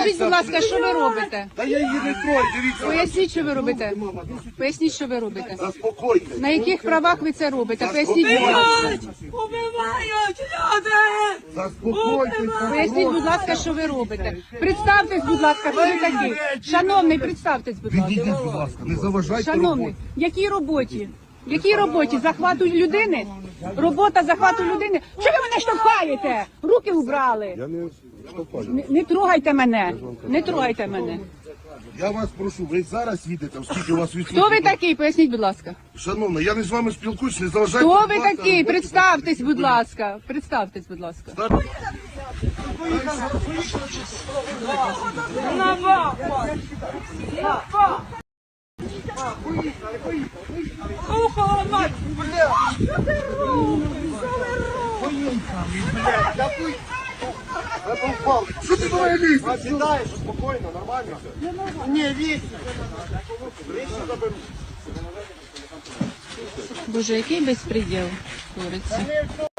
Покажіть, будь ласка, що ви робите. Та я її не трою, дивіться. Поясніть, що ви робите. Поясніть, що ви робите. Заспокойтесь. На яких правах ви це робите? Поясніть, будь ласка. Убивають люди! Заспокойтесь. Поясніть, будь ласка, що ви робите. Представтесь, будь ласка, хто ви такий. Шановний, представтесь, будь ласка. Відійдіть, будь ласка, не заважайте Шановний, роботі. якій роботі? Якій роботі? Захвату людини? Робота захвату людини? Що ви мене штовхаєте? Руки убрали. Я не штовхаю. Не трогайте мене. Не трогайте мене. Я вас прошу, ви зараз їдете, оскільки у вас відсутні. Хто ви такий? Поясніть, будь ласка. Шановна, я не з вами спілкуюсь, не заважайте. Хто будь ви ласка, такий? роботі. Представтесь, будь ласка. Представтесь, будь ласка. Ухо мать! Що ти моє лізь? Сідаєш спокійно, нормально? Ні, вісь. Боже, який безпреділ твориться.